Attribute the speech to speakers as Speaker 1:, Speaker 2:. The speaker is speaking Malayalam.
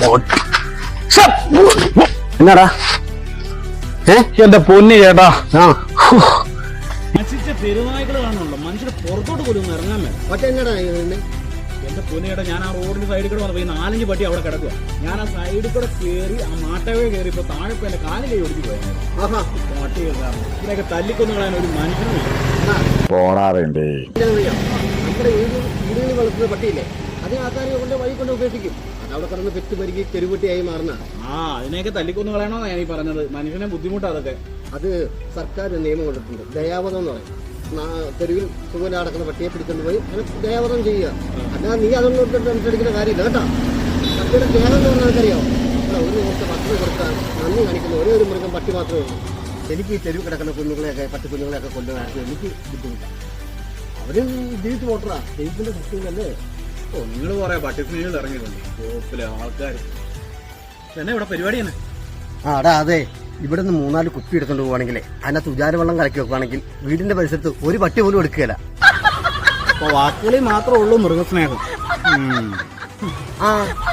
Speaker 1: എന്നാടാ
Speaker 2: എന്റെ പൊന്നി ചേട്ടാ,
Speaker 3: നശിച്ച പെരുനായ്ക്കൾ കാണുന്നുണ്ടോ? മനുഷ്യരെ പുറത്തോട്ട് പോലും ഒന്ന് ഇറങ്ങാൻ വേണം.
Speaker 1: പക്ഷെ എന്നടാ
Speaker 3: എന്റെ പൊന്നിയേട്ടാ, ഞാൻ ആ റോഡിന്റെ സൈഡിൽ കൂടെ വന്നപ്പോ ഈ 4-5 പട്ടി അവിടെ കിടക്കുക. ഞാൻ ആ സൈഡിൽ കൂടെ കയറി ആ മാട്ടവേ കയറി ഇപ്പൊ താഴെ ഇപ്പൊ എന്റെ കാലിൽ കൈ ഒടിച്ചു പോയാൽ പട്ടി കാരണം ഇതിനൊക്കെ തല്ലിക്കൊന്നു കളയാൻ ഒരു മനുഷ്യനും
Speaker 2: പോണാറുണ്ടേ.
Speaker 1: നമ്മുടെ വീടുകളിൽ വളർത്തുന്ന പട്ടിയില്ലേ, അതിന് ആൾക്കാർ കൊണ്ട് വഴി കൊണ്ട് ഉപേക്ഷിക്കും. അതവിടെ കിടന്ന് പെറ്റ് പെരുകി തെരുവുട്ടിയായി മാറുന്ന
Speaker 3: അതിനെയൊക്കെ തല്ലിക്കൊന്നു കളയണോ ഞാൻ ഈ പറഞ്ഞത്. മനുഷ്യനെ ബുദ്ധിമുട്ടാ അതൊക്കെ.
Speaker 1: അത് സർക്കാർ നിയമം കൊണ്ടിട്ടുണ്ട്, ദയാവധം എന്ന് പറയും. തെരുവിൽ സുഖം നടക്കുന്ന പട്ടിയെ പിടിച്ചുകൊണ്ട് പോയി അങ്ങനെ ദയാവധം ചെയ്യുക. അല്ലാതെ നീ അതൊന്നും സംസാരിക്കുന്ന കാര്യമില്ല കേട്ടോ. പട്ടിയുടെ ദേഹം എന്ന് പറഞ്ഞാൽ അറിയാമോ, ഒരു ദിവസത്തെ ഭക്ഷണം കൊടുക്കാൻ നന്ദി കാണിക്കുന്ന ഒരേ ഒരു മൃഗം പട്ടി മാത്രമേ ഉള്ളൂ. എനിക്ക് ഈ തെരുവ് കിടക്കുന്ന കുഞ്ഞുങ്ങളെയൊക്കെ പട്ടിക്കുഞ്ഞുങ്ങളെയൊക്കെ കൊണ്ടുവരാൻ എനിക്ക് ബുദ്ധിമുട്ടാണ്. അവരും ജീവിച്ച് പോട്ടറാ, ദൈവത്തിന്റെ ശക്തിയിലല്ലേ.
Speaker 3: നിങ്ങൾ പറയാ പട്ടി സ്നേഹികൾ ഇറങ്ങിയിട്ടുണ്ട് ഷോപ്പിലെ ആൾക്കാർ. എന്നാ ഇവിടെ പരിപാടി തന്നെ?
Speaker 1: അടാ അതെ, ഇവിടെ നിന്ന് 4 കുപ്പി എടുത്തോണ്ട് പോവാണെങ്കിലേ അതിനകത്ത് ഉജാരവെള്ളം കലക്കി വെക്കുവാണെങ്കിൽ വീടിന്റെ പരിസരത്ത് ഒരു പട്ടി പോലും എടുക്കുകയില്ല.
Speaker 3: അപ്പൊ വാക്കുകളിൽ മാത്രമേ ഉള്ളൂ മൃഗസ്നേഹം.
Speaker 1: ആ